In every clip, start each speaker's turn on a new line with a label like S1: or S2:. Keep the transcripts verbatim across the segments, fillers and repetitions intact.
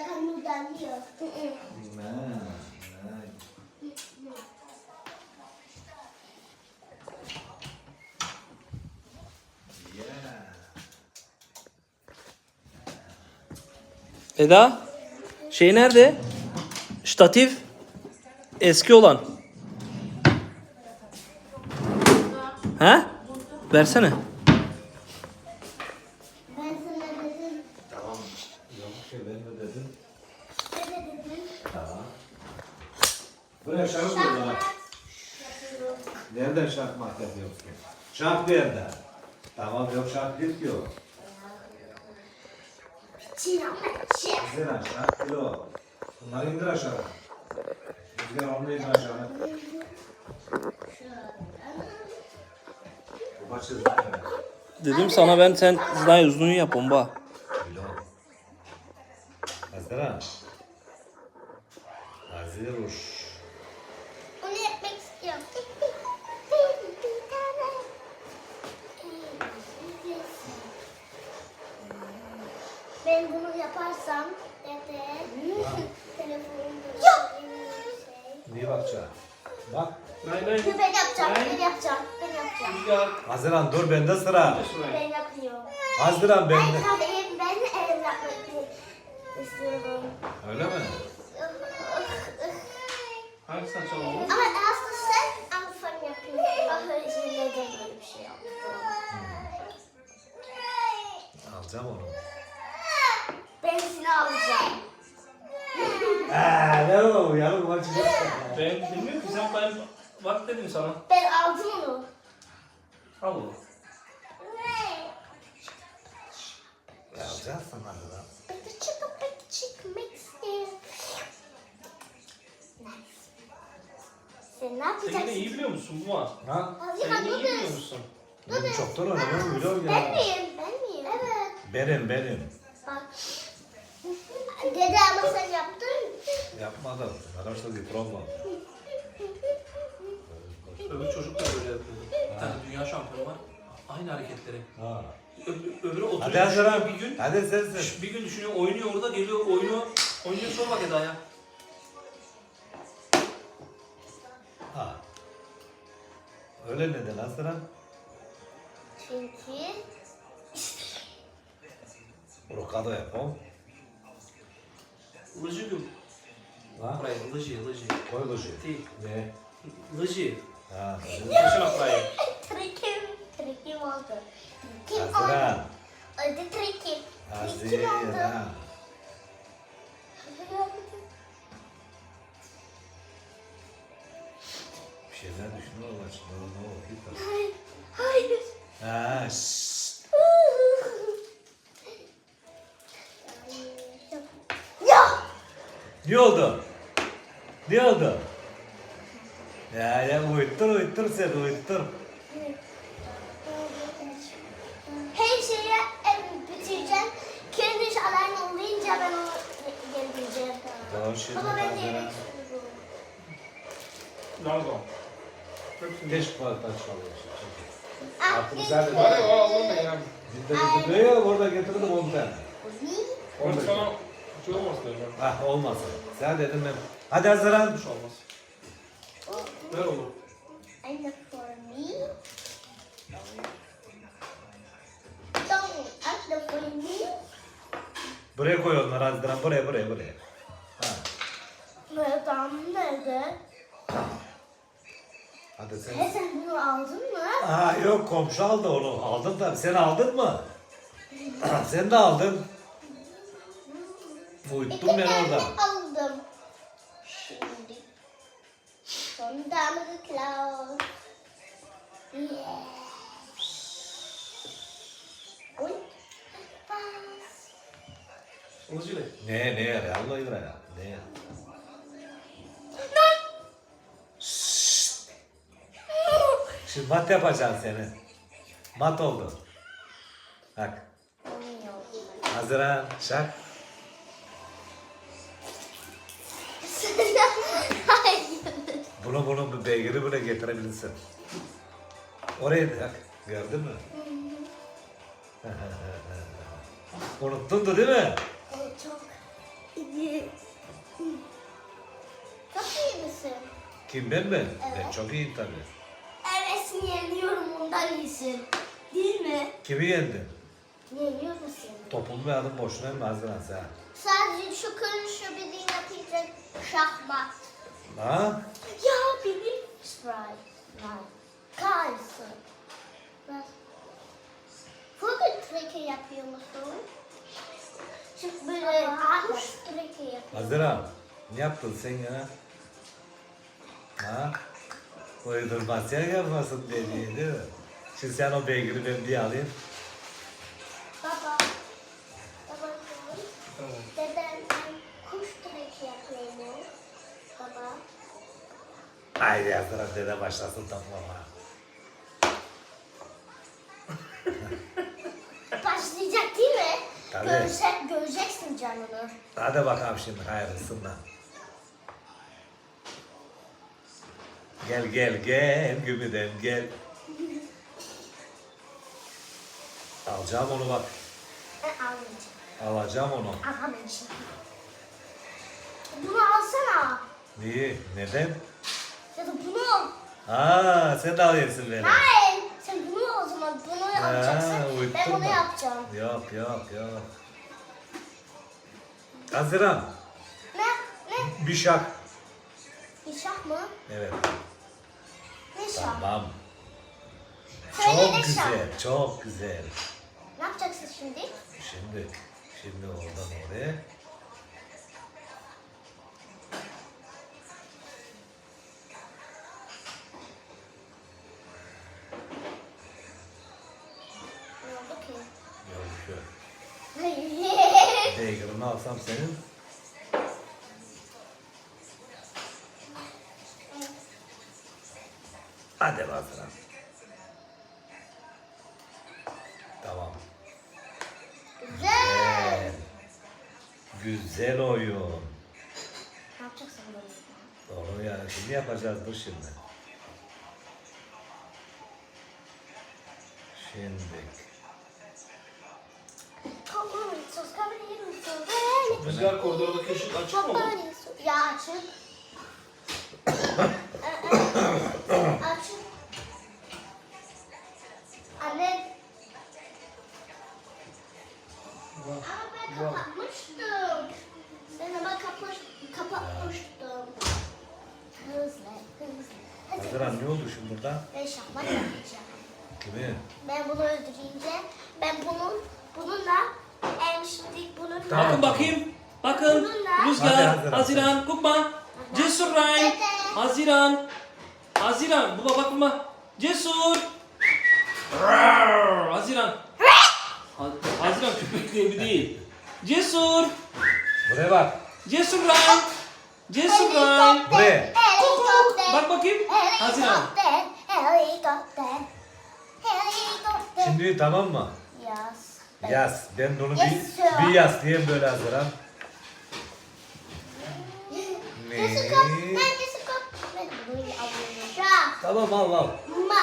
S1: akan noodle diyor.
S2: Nah, nah. Yeah.
S3: Eda, şey nerede? Ştatif. Eski olan. Ha? Versene.
S1: Ben sana dedim.
S2: Tamam. Yok şey ben mi dedim?
S1: Ne de dedim?
S2: Tamam. Buraya şarap mı var? Nereden şarkmak yapıyorsun? Şark nerede? Tamam yok şark değil ki o.
S1: Çiğnenmek.
S2: Haziran şark değil o. Bunları indir aşağı. Rüzgar onu indir aşağı. Bu başı zaten.
S3: Dedim sana ben sen zday uzun yap bomba.
S2: Bilo. Haziran. Haziruş.
S1: Onu yapmak istiyorum. Bir tane. Ben bunu yaparsam dede telefonumda şey.
S2: Niye bakacaksın? Bak.
S3: Nay nay.
S1: Ben yapacağım, ben yapacağım, ben yapacağım.
S3: Rüzgar.
S2: Haziran dur bende sıra.
S1: Ben yapıyorum.
S2: Haziran
S1: Ben
S2: bende.
S1: tabii ben el yapmak istiyorum.
S2: Öyle mi?
S3: Hangisini çalalım?
S1: Ama aslında sen Alfa'nı yapıyorsun. Ah, şimdi de böyle bir şey yaptım.
S2: Alacağım onu.
S1: Ben seni alacağım.
S2: Eee ne o? Yarın maçı yapsın.
S3: Ben bilmiyorum ki sen ben bak dedim sana.
S1: Ben aldım onu.
S3: Al oğlum.
S2: Ya alacaksın Haziran.
S1: Peki çıkıp peki çıkmak istiyorum. Sen ne
S3: Sen yine
S1: yapacaksın?
S3: iyi biliyor musun bu var?
S2: Ha?
S1: Hadi
S3: Sen yine iyi biliyor
S1: dur.
S3: musun?
S2: Benim çoktan oynadım biliyorum
S1: Ben
S2: ya.
S1: miyim? Ben miyim? Evet.
S2: Benim benim.
S1: Bak. Dede ama sen yaptın.
S2: Yapmadım. Arkadaşlar bir problem.
S3: Öbür çocuk da böyle yapıyordu. Bir tane dünya şampiyonu var. Aynı hareketleri.
S2: Ha.
S3: Öbür, öbürü oturuyor
S2: Hadi Haziran.
S3: düşünüyor bir gün.
S2: Hadi sensin.
S3: Bir gün düşünüyor, oynuyor orada, geliyor, oynuyor. Oynuyor, sor bak Eda'ya.
S2: Ha. Öyle neden Haziran?
S1: Çünkü
S2: Rokado yapalım.
S3: Lıcı gül.
S2: Ha?
S3: Buraya, lıcı, lıcı.
S2: Koy loji.
S3: Değil.
S2: Ne?
S3: Lıcı.
S2: Ha.
S3: Taşına buraya.
S1: trikim, trikim oldu. Trikim oldu.
S2: Haziran.
S1: Oldu trikim. Trikim oldu.
S2: Haziran. Bir şeyler düşünüyorlar şimdi. Ne oldu?
S1: Hayır. Hayır.
S2: Ha. Şşt.
S1: Ya.
S2: Ne oldu? Ne oldu? Ya ya uyuttur uyuttur sen uyuttur.
S1: Her şeyi em, bitireceğim. Kendi alarm olmayınca ben onu gelmeyeceğim.
S2: Doğru şey.
S1: Baba ben de yemek istiyorum.
S3: Nerede?
S2: Keşke parça çalıyorsun.
S1: Ah,
S2: Artık güzel bir
S3: Hadi oğlum ben ya.
S2: Bizde getiriyor ya orada getirdim on tane.
S3: Ben
S2: on beş.
S3: sana şey olmaz diyeceğim.
S2: Ah olmasın. Sen dedim ben. Hadi Haziran.
S3: Bir şey olmaz. Ver oğlum.
S1: And for me. Don't ask the for me.
S2: Buraya koy onları Haziran. Buraya buraya buraya. Ha.
S1: Neden nerede?
S2: Hadi sen.
S1: He sen bunu aldın mı?
S2: Aa yok komşu aldı onu. Aldın tabii. Sen aldın mı? Sen de aldın. Uyuttum ben
S1: İki tane
S2: orada.
S1: aldım. Şimdi. Sonunda mı cloud? Yeah. Oy. Bas.
S3: Lıcı ne?
S2: Ne ne ya? Allah ya. Ne ya? Şimdi mat yapacaksın seni. Mat oldu. Bak. Haziran. Şak.
S1: Hayır.
S2: Bunu bunu bu beygiri bile getirebilirsin. Oraya bak. Gördün mü? Unuttun da değil mi?
S1: O çok. Çok iyi misin?
S2: Kim ben mi? Ben
S1: Evet.
S2: çok iyiyim tabii.
S1: Evet, yeniyorum, ondan iyisin. Değil mi?
S2: Kimi yendin?
S1: Yeniyor musun?
S2: Topumu ve adım boşuna mı Haziran sen?
S1: Sadece şu karışıyor bir yapacak şahmat.
S2: Ha?
S1: Ya benim Sprite. Kalsın. Bugün treke yapıyor musun? Şimdi böyle kuş treke yapıyor.
S2: Haziran, ne yaptın sen ya? Ha? Uydurmasyon yapmasın dediğin değil mi? Şimdi sen o beygiri ben bir alayım.
S1: Baba. Baba. Dedem kuş treke yapıyor mu? Baba.
S2: Haydi Haziran dede başlasın toplama.
S1: Başlayacak değil mi?
S2: Tabii.
S1: Görse, göreceksin canını.
S2: Hadi bakalım şimdi hayırlısından. Gel gel gel gümüden gel. Alacağım onu bak.
S1: Ben almayacağım.
S2: Alacağım onu.
S1: Alamayacağım. Bunu alsana.
S2: Niye? Neden?
S1: Ya da bunu al.
S2: Aa, sen de alıyorsun beni.
S1: Hayır. Sen bunu al o zaman. Bunu
S2: Ha,
S1: alacaksın.
S2: uyuttun
S1: Ben bunu
S2: mu?
S1: yapacağım.
S2: Yok yok yok. Haziran,
S1: Ne? Ne?
S2: bir şak.
S1: Bir şah mı?
S2: Evet,
S1: Ne şah?
S2: tamam.
S1: Söyle
S2: Çok
S1: ne şah?
S2: güzel, çok güzel.
S1: Ne yapacaksın şimdi?
S2: Şimdi, şimdi oradan oraya.
S1: Ne oldu ki?
S2: Yok yok.
S1: Hayır.
S2: Daygarını alsam senin. Hadi Haziran. Tamam.
S1: Güzel.
S2: Güzel. Güzel oyun.
S1: Ne yapacaksın böyle?
S2: Doğru yani. Şimdi yapacağız dur şimdi. Şimdi.
S1: Kavrulsun, kavrulsun.
S3: Rüzgar koridordaki ışık açık mı?
S1: Ya açık. Açık. Anne. Ama ben kapatmıştım. Ben ama kapaş, kapatmıştım. Hızlı, hızlı. Hadi.
S2: Haziran ne oldu şimdi burada?
S1: Ben şahmat yapacağım.
S2: Kimi?
S1: Ben bunu öldürünce, ben bunun, bununla, em şimdi bununla...
S2: Tamam.
S3: Bakın bakayım. Bakın.
S2: Hadi
S3: Rüzgar,
S2: Haziran.
S3: Haziran, Kukma, Cesur Ryan,
S1: Dede.
S3: Haziran, Haziran. Baba bak baba. Cesur. Rar, Haziran. Ha- Haziran köpek diye bir değil. Cesur.
S2: Buraya bak.
S3: Cesur Ryan. Cesur Ryan.
S2: Buraya.
S1: Helikopter.
S3: Bak bakayım. Haziran.
S1: Helikopter. Helikopter. Helikopter.
S2: Şimdi tamam mı?
S1: Yaz.
S2: Yaz. Ben de onu
S1: Yes,
S2: bir,
S1: sir.
S2: bir yaz diyeyim böyle Haziran.
S1: Jessica,
S2: Ne?
S1: ben Jessica. Ben bunu alıyorum. Ya.
S2: Tamam al al.
S1: Ma.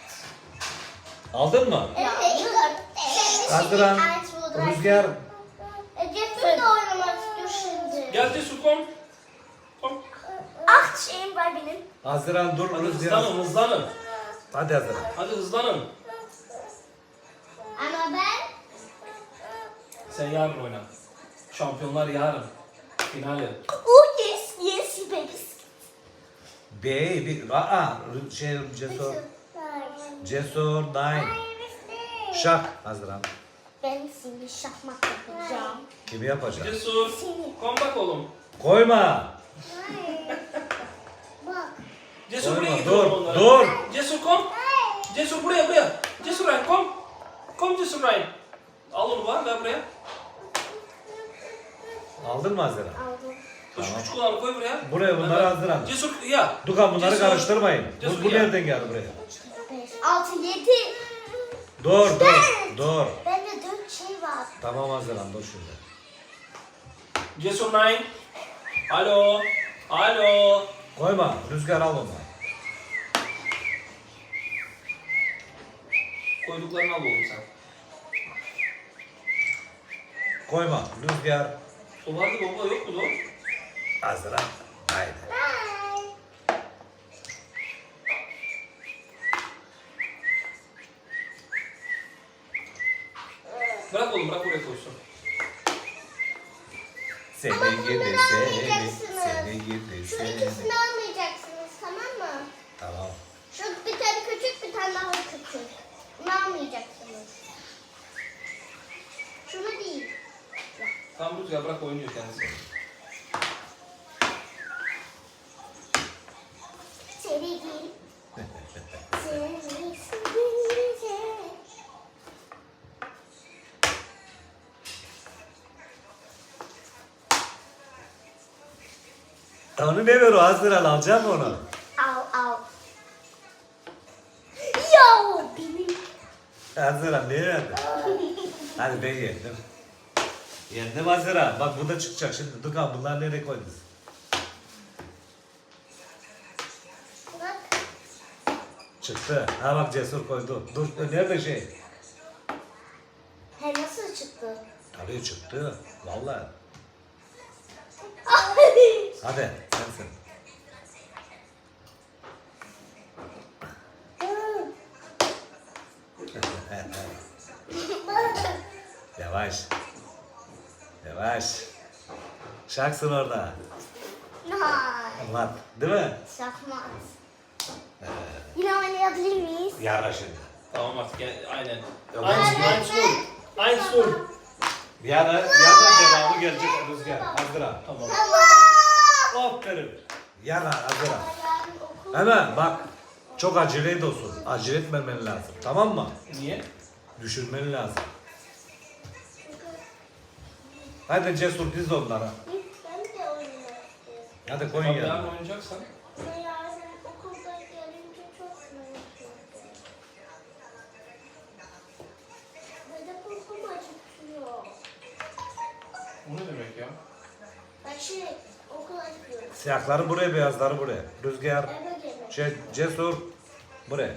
S2: Aldın mı?
S1: Helikopter.
S2: Haziran. Rüzgar.
S1: Jeffrey de oynamak istiyor şimdi.
S3: Gel Cesur kom. Kom.
S1: Ah şeyim var benim.
S2: Haziran dur
S3: Hadi
S2: Rüzgar.
S3: hızlanın hızlanın.
S2: Hadi Haziran.
S3: Hadi hızlanın.
S1: Ama ben
S3: Sen yarın oyna. Şampiyonlar yarın. Finali.
S1: oh yes yes babies.
S2: Baby. Aa, şey Cesur. Cesur. Nine. Şak. Haziran.
S1: Ben seni şahmat yapacağım.
S2: Kimi yapacak?
S3: Cesur.
S1: Seni.
S3: Kom bak oğlum.
S2: Koyma.
S1: Bak.
S3: Cesur buraya
S2: Koyma.
S3: git
S2: Dur.
S3: oğlum onlara.
S2: Dur.
S3: Cesur kom. Cesur buraya buraya. Cesur Ryan kom. Kom Cesur Ryan. Al onu var ver buraya.
S2: Aldın mı Haziran?
S1: Aldım.
S3: Şu
S2: Tamam.
S3: küçük olanı koy buraya.
S2: Buraya bunları
S3: Ver, ver.
S2: hazırlan.
S3: Cesur ya.
S2: Dukan bunları
S3: Cesur.
S2: karıştırmayın.
S3: Cesur
S2: Bu, bu
S3: ya.
S2: nereden geldi buraya?
S1: Beş, altı, yedi.
S2: Dur dur. Dur.
S1: Bende dört şey var.
S2: Tamam Haziran dur şimdi.
S3: Cesur Nine. Alo. Alo.
S2: Koyma. Rüzgar al onu.
S3: Koyduklarını al oğlum sen.
S2: Koyma. Rüzgar.
S3: O vardı baba yok mu o?
S2: Azra. Haydi.
S1: Bye.
S3: Bırak oğlum bırak oraya koysun.
S2: Seni
S1: Ama
S2: gidi
S1: bunları
S2: seni.
S1: almayacaksınız.
S2: Seni gidi
S1: Şu
S2: seni.
S1: ikisini almayacaksınız, tamam mı?
S2: Tamam.
S1: Şu bir tane küçük, bir tane daha küçük. Bunu almayacaksınız. Şunu değil.
S3: Tamam Rüzgar bırak oynuyor kendisi.
S1: Seni değil. Seni, seni, seni.
S2: Onu ne ver o Azra alacağım onu.
S1: Al, al. Yo, benim.
S2: Azra ne verdin? Hadi ben yendim. Yendim Azra. Bak bu da çıkacak şimdi. Dur kan bunlar nereye koydunuz?
S1: Bak.
S2: Çıktı. Ha bak Cesur koydu. Dur nerede şey?
S1: He, nasıl çıktı?
S2: Tabii çıktı. Vallahi.
S1: Ay.
S2: Hadi sensin. Yavaş. Yavaş. Şaksın orada.
S1: Hayır.
S2: Anlat. Değil mi?
S1: Şakmaz. Yine oynayabilir miyiz?
S2: Yara şimdi.
S3: Tamam artık gel aynen.
S2: Yok,
S3: Aynı
S2: ben-
S3: aynı sur. Aynı sur.
S2: Yarın, yarın devamı gelecek Rüzgar. Azra.
S3: Tamam.
S1: Tamam.
S2: Aferin. Yarın Azra.
S1: Yarın okul.
S2: Hemen bak. Çok acele olsun. Acele etmemen lazım. Tamam mı?
S3: Niye?
S2: Düşürmen lazım. Hadi Cesur diz onlara.
S1: Ben de oynamak istiyorum.
S2: Hadi koyun
S3: Tamam yarın
S2: yanına.
S3: oynayacaksan.
S1: Ama yarın okulda gelince çok merak Ve de korkum acıtıyor.
S3: O ne demek ya?
S1: Ben şey okula gidiyorum.
S2: Siyahları buraya, beyazları buraya. Rüzgar,
S1: Eve gelmek.
S2: şey, Cesur buraya.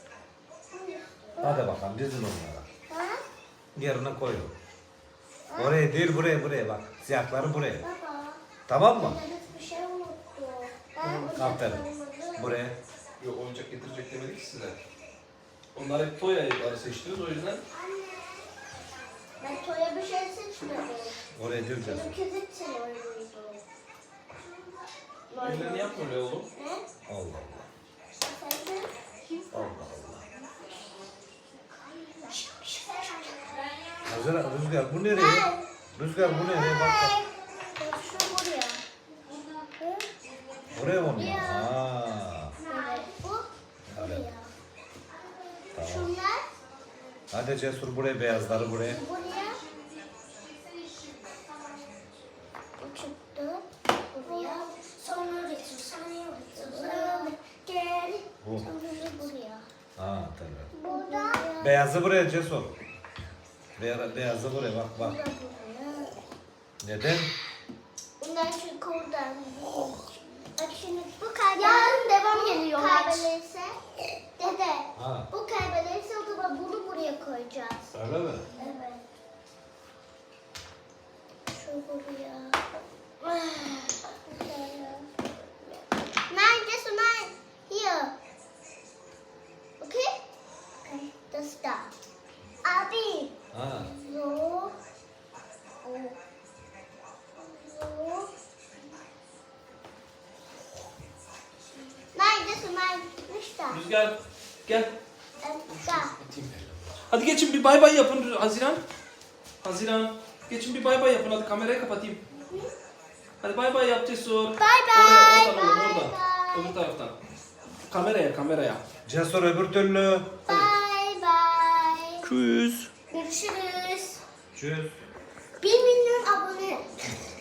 S2: Hadi bakalım dizin onlara.
S1: Ha?
S2: Yerine koyun. Oraya değil buraya buraya bak. Siyahları buraya.
S1: Baba.
S2: Tamam mı?
S1: Ben bir şey unuttum. Ben
S2: Aferin.
S1: unuttum.
S2: Buraya.
S3: Yok oyuncak getirecek demedik ki size. Onlar hep toy ayıpları seçtiniz o yüzden.
S1: Ben Toya bir şey seçmedim.
S2: Oraya değil Cesur.
S1: Benimki zıt oyunuydu.
S3: Ellerini yapma öyle oğlum.
S1: Ne?
S2: Allah Allah.
S1: Sen de?
S2: Allah Allah. Hazır Rüzgar bu nereye? Rüzgar bu nereye? Bak bak.
S1: Şu buraya. Hı?
S2: Buraya mı onlar? Aa.
S1: Evet, bu
S2: Evet.
S1: buraya.
S2: Tamam.
S1: Şunlar
S2: Hadi Cesur buraya, beyazları buraya.
S1: buraya. Bu çıktı. Buraya. Sonra resim. Sonra Sonra gel.
S2: Bu.
S1: Sonra buraya.
S2: Ha tabii.
S1: Burada.
S2: Beyazı buraya Cesur. Beya- Beyazı buraya bak bak.
S1: Burada buraya.
S2: Neden?
S1: Bundan çünkü oradan. Bak şimdi bu kaybederse. Yarın devam geliyor. Kaybederse. Dede.
S2: Ha.
S1: Bu kaybederse o zaman bunu buraya koyacağız.
S2: Öyle mi?
S1: Evet. Şu buraya. Nine, just nine. Here. Okay? Okay. The star. Abi.
S2: Ha.
S1: No. Oh. No. Nine, just nine. The star.
S3: Rüzgar gel.
S1: And star.
S3: Hadi geçin bir bay bay yapın Haziran. Haziran. Geçin bir bay bay yapın hadi kamerayı kapatayım. Hadi bay bay yap Cesur.
S1: Bye
S3: Oraya,
S1: bye.
S3: oradan oğlum
S1: Bye
S3: oradan.
S1: bye.
S3: Öbür taraftan. Kameraya kameraya.
S2: Cesur öbür türlü.
S1: Bye bye.
S3: Tschüss.
S1: Görüşürüz.
S2: Tschüss.
S1: Bir milyon abone.